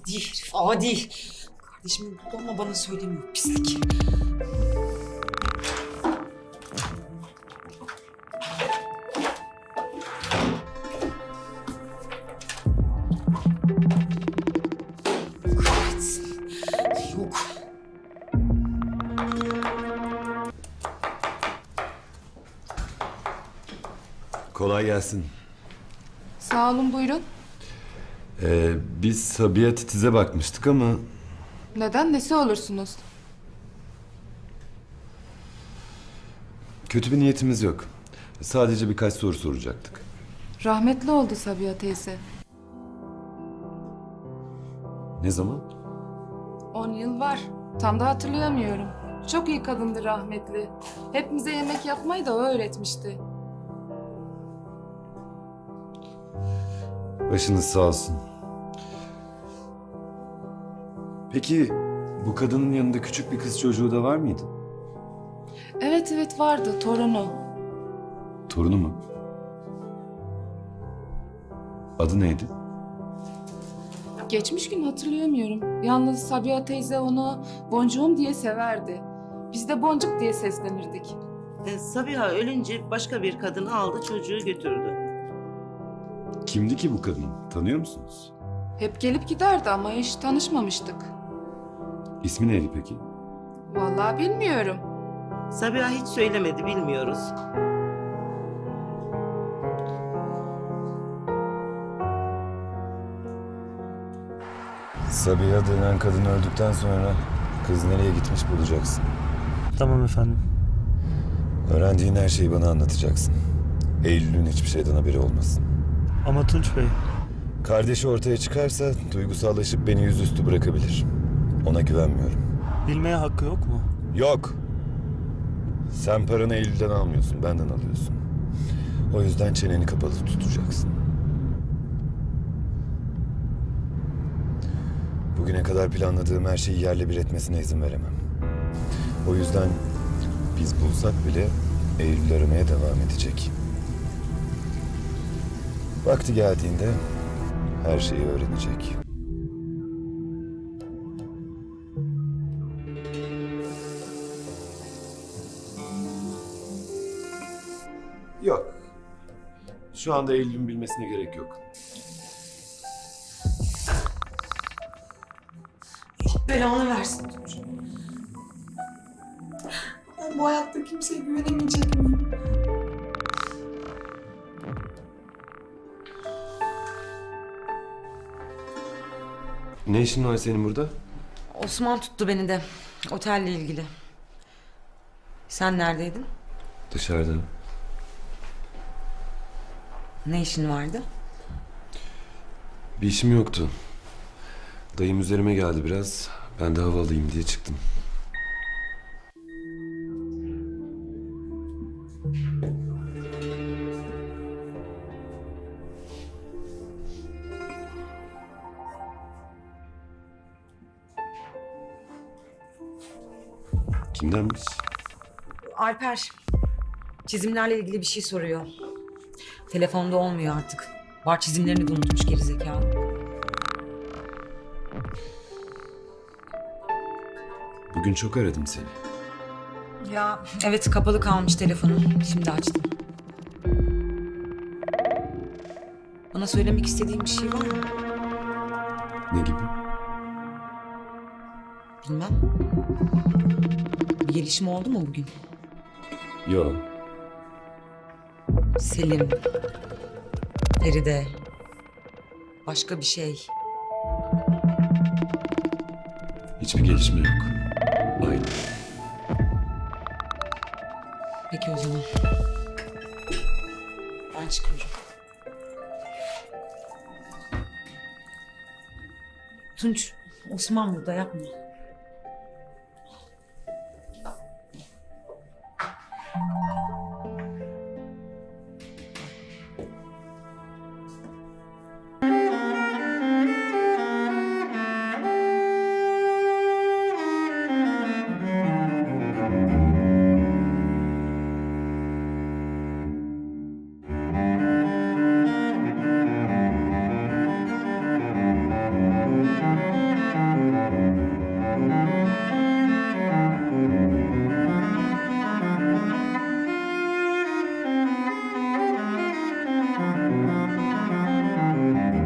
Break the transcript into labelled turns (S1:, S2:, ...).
S1: Adi herif, adi. Kardeşimin burada ama bana söylemiyor, pislik. Kahretsin. Yok.
S2: Kolay gelsin.
S3: Sağ olun, buyurun.
S2: Biz Sabiha Titiz'e bakmıştık ama...
S3: Neden? Nesi olursunuz?
S2: Kötü bir niyetimiz yok. Sadece birkaç soru soracaktık.
S3: Rahmetli oldu Sabiha teyze.
S2: Ne zaman?
S3: 10 yıl var. Tam da hatırlayamıyorum. Çok iyi kadındı rahmetli. Hepimize yemek yapmayı da o öğretmişti.
S2: Başınız sağ olsun. Peki bu kadının yanında küçük bir kız çocuğu da var mıydı?
S3: Evet vardı, torunu.
S2: Torunu mu? Adı neydi?
S3: Geçmiş gün hatırlayamıyorum. Yalnız Sabiha teyze onu boncuğum diye severdi. Biz de boncuk diye seslenirdik.
S4: Sabiha ölünce başka bir kadın aldı çocuğu götürdü.
S2: Kimdi ki bu kadın? Tanıyor musunuz?
S3: Hep gelip giderdi ama hiç tanışmamıştık.
S2: İsmi neydi peki?
S3: Vallahi bilmiyorum.
S4: Sabiha hiç söylemedi, bilmiyoruz.
S2: Sabiha denen kadın öldükten sonra kız nereye gitmiş bulacaksın.
S5: Tamam efendim.
S2: Öğrendiğin her şeyi bana anlatacaksın. Eylül'ün hiçbir şeyden haberi olmasın.
S5: Ama Tunç Bey,
S2: Kardeşi ortaya çıkarsa duygusallaşıp beni yüzüstü bırakabilir. Ona güvenmiyorum.
S5: bilmeye hakkı yok mu?
S2: Yok. Sen paranı Eylül'den almıyorsun, benden alıyorsun. O yüzden çeneni kapalı tutacaksın. Bugüne kadar planladığım her şeyi yerle bir etmesine izin veremem. O yüzden biz bulsak bile Eylül aramaya devam edecek. Vakti geldiğinde her şeyi öğrenecek. Yok. Şu anda Eylül'ün bilmesine gerek yok.
S1: Belanı versin Tunç. Ben bu hayatta kimseye güvenemeyecek miyim?
S2: Ne işin var senin burada?
S1: Osman tuttu beni de. Otelle ilgili. Sen neredeydin?
S2: Dışarıda.
S1: Ne işin vardı?
S2: Bir işim yoktu. Dayım üzerime geldi biraz. Ben de hava alayım diye çıktım. Kimdenmiş?
S1: Alper. Çizimlerle ilgili bir şey soruyor. Telefonda olmuyor artık. Var çizimlerini de unutmuş gerizekalı.
S2: Bugün çok aradım seni.
S1: Ya evet, kapalı kalmış telefonum. Şimdi açtım. Bana söylemek istediğin bir şey var mı?
S2: Ne gibi?
S1: Bilmem. Bir gelişme oldu mu bugün?
S2: Yok.
S1: Selim, Feride, başka bir şey.
S2: Hiçbir gelişme yok. Aynı.
S1: Peki o zaman. Ben çıkıyorum. Tunç, Osman burada, yapma.